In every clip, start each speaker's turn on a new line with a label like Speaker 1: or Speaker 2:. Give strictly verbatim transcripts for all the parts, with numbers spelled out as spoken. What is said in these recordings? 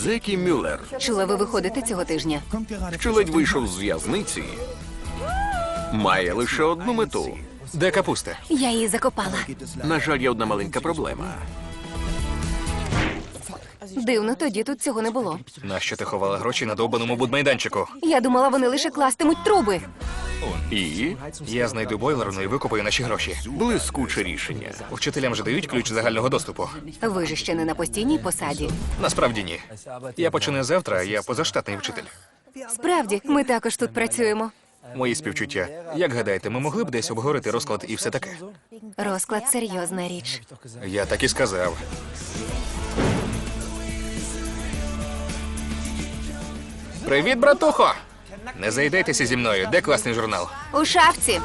Speaker 1: Зекі Мюллер,
Speaker 2: Чула, ви виходите цього тижня.
Speaker 1: що ледь вийшов з в'язниці, має лише одну мету.
Speaker 3: Де капуста?
Speaker 2: Я її закопала.
Speaker 1: На жаль, є одна маленька проблема.
Speaker 2: Дивно, тоді тут цього не було.
Speaker 3: Нащо ти ховала гроші на довбаному будмайданчику?
Speaker 2: Я думала, вони лише кластимуть труби.
Speaker 1: І
Speaker 3: Я знайду бойлерну і викопаю наші гроші.
Speaker 1: блискуче рішення.
Speaker 3: Вчителям же дають ключ загального доступу.
Speaker 2: Ви ж ще не на постійній посаді.
Speaker 3: Насправді ні. Я починаю завтра, я позаштатний вчитель.
Speaker 2: Справді, ми також тут працюємо.
Speaker 3: Мої співчуття. Як гадаєте, ми могли б десь обговорити розклад і все таке?
Speaker 2: Розклад серйозна річ.
Speaker 3: Я так і сказав. Привіт, братухо! Не зайдетеся зі мною. Де класний журнал?
Speaker 2: У шафці.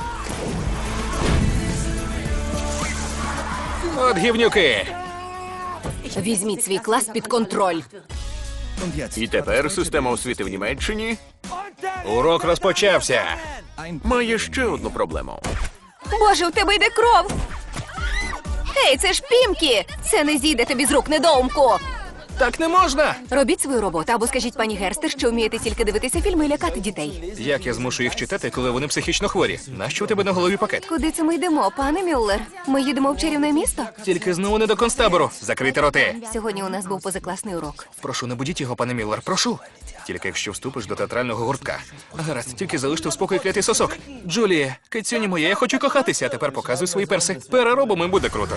Speaker 3: От гівнюки!
Speaker 2: Візьміть свій клас під контроль.
Speaker 1: І тепер система освіти в Німеччині
Speaker 3: Урок розпочався.
Speaker 1: має ще одну проблему.
Speaker 2: Боже, у тебе йде кров! Ей, це ж Пімкі! Це не зійде тобі з рук, недоумку!
Speaker 3: Так не можна!
Speaker 2: Робіть свою роботу, або скажіть пані Герстер, що вмієте тільки дивитися фільми і лякати дітей.
Speaker 3: Як я змушу їх читати, коли вони психічно хворі? Нащо у тебе на голові пакет?
Speaker 2: Куди це ми йдемо, пане Мюллер? Ми їдемо в чарівне місто?
Speaker 3: Тільки знову не до концтабору. Закрийте роти.
Speaker 2: Сьогодні у нас був позакласний урок.
Speaker 3: Прошу, не будіть його, пане Міллер, прошу. Тільки якщо вступиш до театрального гуртка. Гаразд, тільки залиште в спокої клятий сосок. Джулія, кицюні моя, я хочу кохатися, а тепер показуй свої перси. Переробимо і буде круто.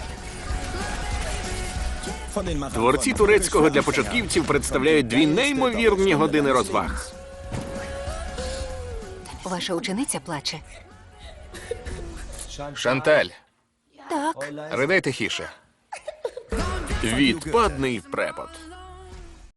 Speaker 1: Творці турецького для початківців представляють дві неймовірні години розваг.
Speaker 2: Ваша учениця плаче.
Speaker 3: Шанталь,
Speaker 2: Так.
Speaker 3: ридай тихіше.
Speaker 1: Відпадний препод.